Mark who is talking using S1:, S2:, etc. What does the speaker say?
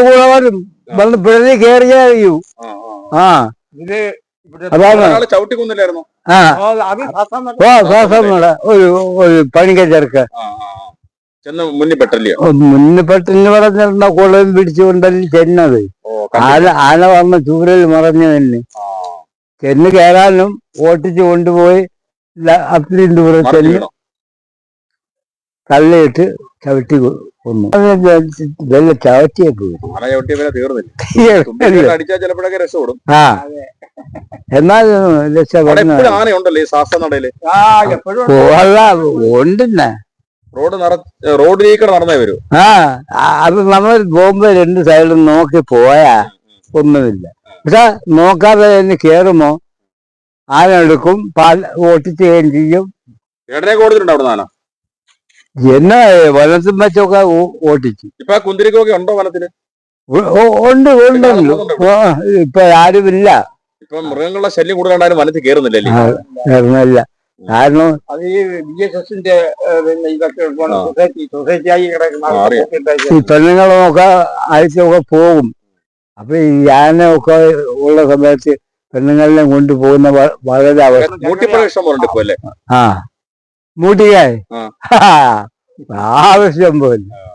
S1: കൂടെ വരും വന്ന് പിഴഞ്ഞ് കയറിയേ അറിയൂ. ആ അതാണ്
S2: ചവിട്ടിക്കൊന്നില്ലായിരുന്നു.
S1: ആ ശ്വാസം ഒരു ഒരു പണിക്ക ചെറുക്ക
S2: മുന്നിൽ പെട്ടല്ലയോ?
S1: മുന്നിൽ പെട്ടെന്ന് പറഞ്ഞിട്ടുണ്ടോ കുളം പിടിച്ചുകൊണ്ടല്ലേ ചെന്നത്. ആന വന്ന ചൂരൽ മറഞ്ഞു തന്നെ ചെന്ന് കയറാനും ഓട്ടിച്ച് കൊണ്ടുപോയി അത്രയും ദൂരം ചെന്ന് തള്ളിയിട്ട് ചവിട്ടി കൊന്നു. വല്ല ചവിട്ടിയെ പോയി. ആ എന്നാൽ ഉണ്ടെന്നെ
S2: റോഡിലേക്ക് നടന്നേ വരൂ.
S1: ആ അത് നമ്മൾ പോകുമ്പോ രണ്ട് സൈഡിലും നോക്കി പോയാ ഒന്നുമില്ല. പക്ഷെ നോക്കാതെ തന്നെ കേറുമോ ആന എടുക്കും, പാൽ ഓട്ടിച്ചുകയും ചെയ്യും. എന്നെ വനത്തും വെച്ചൊക്കെ ഓട്ടിച്ചു.
S2: ഇപ്പൊ കുന്തിരിക്കൊക്കെ ഉണ്ടോ വനത്തില്?
S1: ഉണ്ട് ഉണ്ടല്ലോ. ഇപ്പൊ ആരുമില്ല.
S2: ഇപ്പൊ മൃഗങ്ങളുടെ ശല്യം കൂടുതലുണ്ടായാലും വനത്തിൽ കയറുന്നില്ല.
S1: കാരണം
S3: അത് ഈ BSSന്റെ ഇതൊക്കെ സൊസൈറ്റിയായി
S1: ഈ പെണ്ണുങ്ങളൊക്കെ ആഴ്ചയൊക്കെ പോകും. അപ്പൊ ഈ ആനയൊക്കെ ഉള്ള സമയത്ത് പെണ്ണുങ്ങളെ കൊണ്ടുപോകുന്ന വളരെ ആ മൂട്ടിക്കായി ആവശ്യം പോലെ